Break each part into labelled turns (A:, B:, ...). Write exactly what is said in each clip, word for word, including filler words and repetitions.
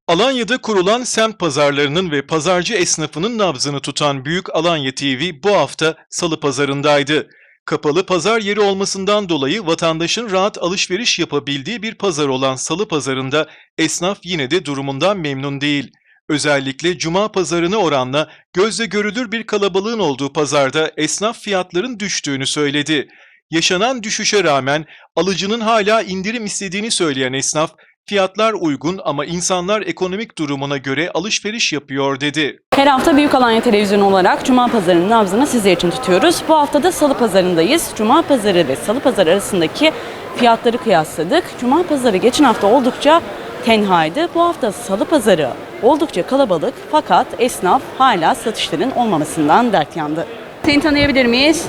A: Alanya'da kurulan semt pazarlarının ve pazarcı esnafının nabzını tutan Büyük Alanya T V bu hafta Salı pazarındaydı. Kapalı pazar yeri olmasından dolayı vatandaşın rahat alışveriş yapabildiği bir pazar olan Salı pazarında esnaf yine de durumundan memnun değil. Özellikle Cuma pazarına oranla gözle görülür bir kalabalığın olduğu pazarda esnaf fiyatların düştüğünü söyledi. Yaşanan düşüşe rağmen alıcının hala indirim istediğini söyleyen esnaf, fiyatlar uygun ama insanlar ekonomik durumuna göre alışveriş yapıyor dedi.
B: Her hafta Büyük Alanya Televizyonu olarak Cuma Pazarı'nın nabzını sizler için tutuyoruz. Bu hafta da Salı Pazarı'ndayız. Cuma Pazarı ve Salı Pazarı arasındaki fiyatları kıyasladık. Cuma Pazarı geçen hafta oldukça tenhaydı. Bu hafta Salı Pazarı oldukça kalabalık fakat esnaf hala satışların olmamasından dert yandı. Seni tanıyabilir miyiz?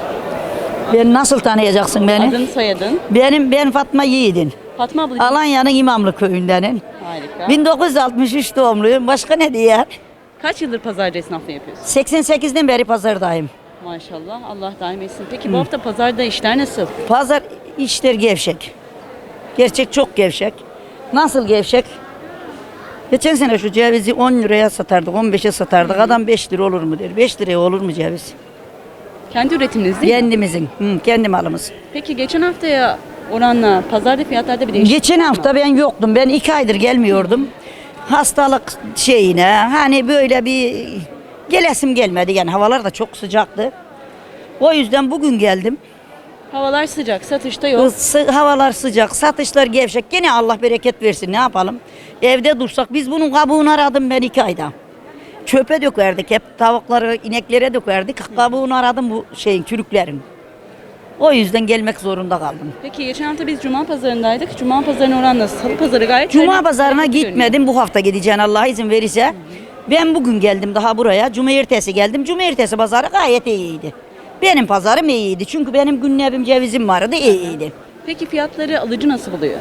C: Ben nasıl tanıyacaksın beni?
B: Adın, soyadın?
C: Benim ben Fatma Yiğidin.
B: Fatma abla.
C: Alanya'nın İmamlı köyündenim.
B: Harika.
C: bin dokuz yüz altmış üç doğumluyum. Başka ne diye?
B: Kaç yıldır pazarcı esnaflığı yapıyorsun?
C: seksen sekizden beri pazardayım.
B: Maşallah, Allah daim etsin. Peki bu hafta pazarda işler nasıl?
C: Pazar işler gevşek. Gerçek çok gevşek. Nasıl gevşek? Geçen sene şu cevizi on liraya satardık, on beşe satardık. Adam beş lira olur mu der. beş liraya olur mu ceviz?
B: Kendi üretiminiz değil mi?
C: Kendimizin, hı, kendi malımız.
B: Peki geçen haftaya oranla pazarda fiyatlarda bir değişiklik
C: Geçen
B: var mı?
C: hafta ben yoktum. Ben iki aydır gelmiyordum. Hastalık şeyine hani böyle bir gelesim gelmedi. Yani havalar da çok sıcaktı. O yüzden bugün geldim.
B: Havalar sıcak, satışta yok.
C: Sı- havalar sıcak, satışlar gevşek. Gene Allah bereket versin, ne yapalım? Evde dursak biz bunun kabuğunu aradım ben iki ayda. Çöpe dökerdik, hep tavukları, ineklere dökerdik. Kabuğunu aradım bu şeyin, çürüklerin. O yüzden gelmek zorunda kaldım.
B: Peki geçen hafta biz Cuma pazarındaydık. Cuma pazarına oranla Salı pazarı gayet...
C: Cuma
B: hayırlı-
C: pazarına
B: hayırlı görünüyor.
C: gitmedim. Bu hafta gideceğim Allah izin verirse. Ben bugün geldim daha buraya. Cumartesi geldim. Cumartesi pazarı gayet iyiydi. Benim pazarım iyiydi. Çünkü benim günlebim cevizim vardı, iyiydi.
B: Peki fiyatları alıcı nasıl buluyor?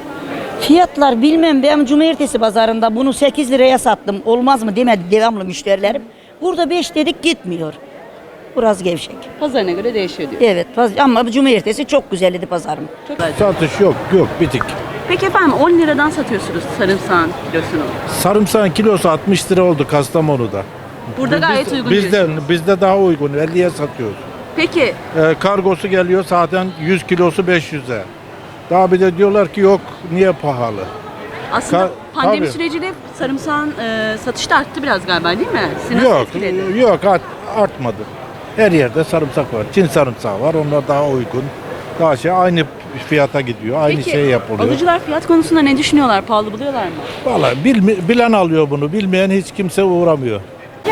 C: Fiyatlar bilmem, ben cumartesi pazarında bunu sekiz liraya sattım. Olmaz mı demedi devamlı müşterilerim. Burada beş dedik, gitmiyor. Biraz gevşek.
B: Pazarına göre değişiyor diyor.
C: Evet paz- ama bu cumartesi çok güzeldi pazarım.
B: Çok güzel.
D: Satış yok, yok bitik.
B: Peki efendim on liradan satıyorsunuz sarımsağın kilosunu.
D: Sarımsağın kilosu altmış lira oldu Kastamonu'da.
B: Burada gayet
D: Biz-
B: uygun
D: bizde,
B: diyorsunuz.
D: bizde daha uygun, elliye satıyoruz.
B: Peki
D: Ee, kargosu geliyor zaten yüz kilosu beş yüze. Daha bir de diyorlar ki yok, niye pahalı?
B: aslında
D: Ka-
B: pandemi
D: tabii.
B: süreciyle sarımsağın e, satışı da arttı biraz galiba değil mi? Sizi nasıl
D: Yok,
B: etkiledi?
D: yok art, artmadı. Her yerde sarımsak var. Çin sarımsağı var, onlar daha uygun. Daha şey aynı fiyata gidiyor, aynı
B: Peki
D: şey yapılıyor.
B: alıcılar fiyat konusunda ne düşünüyorlar? Pahalı buluyorlar mı?
D: Vallahi bilmi- bilen alıyor bunu, bilmeyen hiç kimse uğramıyor.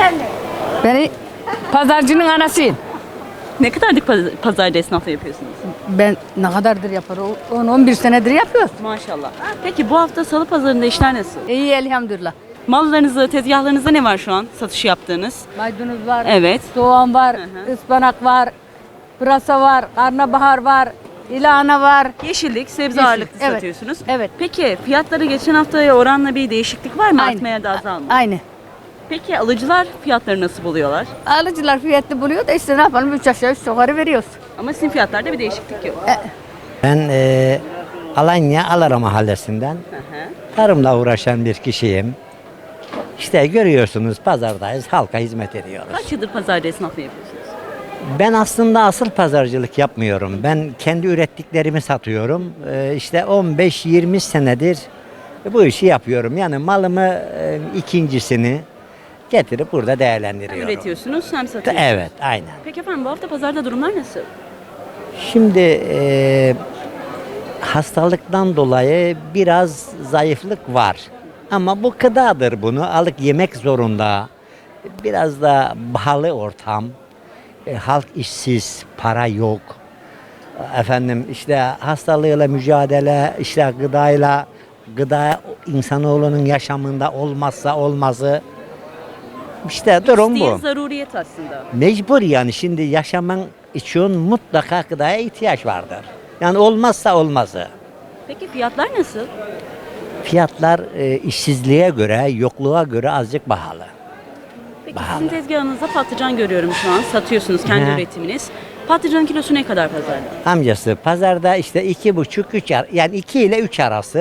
E: Ben pazarcının anasıyım.
B: Ne kadarlık paz- pazarda esnafla yapıyorsunuz?
E: Ben ne kadardır yaparım? on on bir senedir yapıyoruz.
B: Maşallah. Peki bu hafta salı pazarında işler nasıl?
E: İyi elhamdülillah.
B: Mallarınızda, tezgahlarınızda ne var şu an satış yaptığınız?
E: Maydanoz var,
B: Evet.
E: soğan var,
B: Hı hı.
E: ıspanak var, pırasa var, karnabahar var, ilana var.
B: Yeşillik, sebze
E: Yeşil,
B: ağırlıklı
E: evet,
B: satıyorsunuz.
E: evet.
B: Peki fiyatları geçen haftaya oranla bir değişiklik var mı?
E: Aynı.
B: Artmaya da azalma.
E: Aynı.
B: Peki alıcılar fiyatları nasıl buluyorlar?
E: Alıcılar fiyatlı buluyor da işte ne yapalım, üç aşağı üç yukarı veriyoruz.
B: Ama sizin fiyatlarda bir değişiklik yok.
F: Ben e, Alanya Alara Mahallesi'nden
B: Hı hı.
F: tarımla uğraşan bir kişiyim. İşte görüyorsunuz pazardayız, halka hizmet ediyoruz.
B: Kaç yıldır pazarda esnaflığı yapıyorsunuz?
F: Ben aslında asıl pazarcılık yapmıyorum. Ben kendi ürettiklerimi satıyorum. E, işte on beş yirmi senedir bu işi yapıyorum. Yani malımı e, ikincisini getirip burada
B: Hem
F: değerlendiriyorum.
B: üretiyorsunuz hem satıyorsunuz.
F: Evet, aynen.
B: Peki efendim bu hafta pazarda durumlar nasıl?
F: Şimdi e, hastalıktan dolayı biraz zayıflık var. Ama bu gıdadır, bunu alıp yemek zorunda. Biraz da pahalı ortam. E, halk işsiz, para yok. Efendim işte hastalığıyla mücadele, işte gıdayla, gıda insanoğlunun yaşamında olmazsa olmazı. İşte durum
B: İsteğin
F: bu.
B: zaruriyet aslında.
F: Mecbur yani şimdi yaşaman için mutlaka gıdaya ihtiyaç vardır. Yani olmazsa olmazı.
B: Peki fiyatlar nasıl?
F: Fiyatlar e, işsizliğe göre, yokluğa göre azıcık pahalı.
B: Peki
F: Pahalı.
B: sizin tezgahınızda patlıcan görüyorum şu an. Satıyorsunuz kendi
F: Hı.
B: üretiminiz. Patlıcanın kilosu ne kadar pazarda?
F: Amcası pazarda işte iki buçuk üç ar- yani iki ile üç arası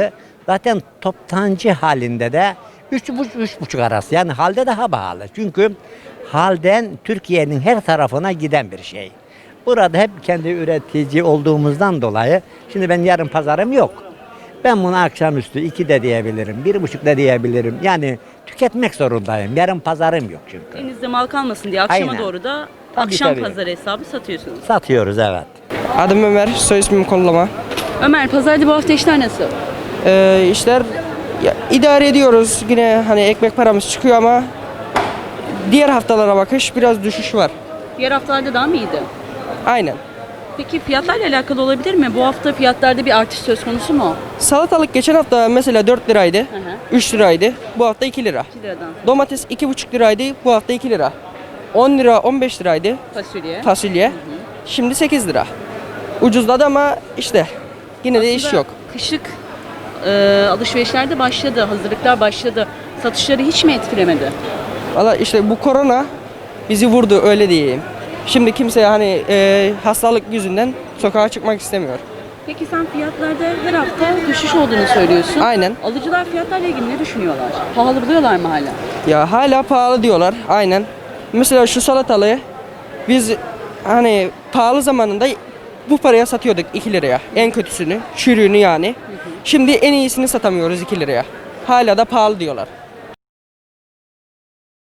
F: Zaten toptancı halinde de üç buçuk üç buçuk arası. Yani halde daha pahalı. Çünkü halden Türkiye'nin her tarafına giden bir şey. Burada hep kendi üretici olduğumuzdan dolayı şimdi ben yarın pazarım yok. Ben bunu akşamüstü iki de diyebilirim, bir buçuk da diyebilirim. Yani tüketmek zorundayım. Yarın pazarım yok çünkü.
B: Elinizde mal kalmasın diye akşama
F: Aynen.
B: doğru da
F: Tabii,
B: akşam
F: tabii.
B: pazarı hesabı satıyorsunuz.
F: Satıyoruz evet.
G: Adım Ömer, soy ismim Kollama.
B: Ömer, pazarda bu hafta işler nasıl?
G: Ee, işler ya, idare ediyoruz. Yine hani ekmek paramız çıkıyor ama diğer haftalara bakış biraz düşüş var.
B: Diğer haftalarda daha mı iyiydi?
G: Aynen.
B: Peki fiyatlarla alakalı olabilir mi? Bu hafta fiyatlarda bir artış söz konusu mu?
G: Salatalık geçen hafta mesela dört liraydı,
B: Hı hı.
G: üç liraydı. Bu hafta iki lira.
B: iki liradan.
G: Domates iki buçuk liraydı, bu hafta iki lira. on lira, on beş liraydı
B: Fasulye.
G: fasulye. Şimdi sekiz lira. Ucuzladı ama işte yine de iş
B: Aslında
G: yok.
B: Kışlık e, alışverişler de başladı, hazırlıklar başladı. Satışları hiç mi etkilemedi?
G: Valla işte bu korona bizi vurdu öyle diyeyim. Şimdi kimse hani e, hastalık yüzünden sokağa çıkmak istemiyor.
B: Peki sen fiyatlarda her hafta düşüş olduğunu söylüyorsun.
G: Aynen.
B: Alıcılar fiyatlarla ilgili ne düşünüyorlar? Pahalı buluyorlar mı hala?
G: Ya hala pahalı diyorlar aynen. Mesela şu salatalığı biz hani pahalı zamanında bu paraya satıyorduk iki liraya. En kötüsünü, çürüğünü yani. Şimdi en iyisini satamıyoruz iki liraya. Hala da pahalı diyorlar.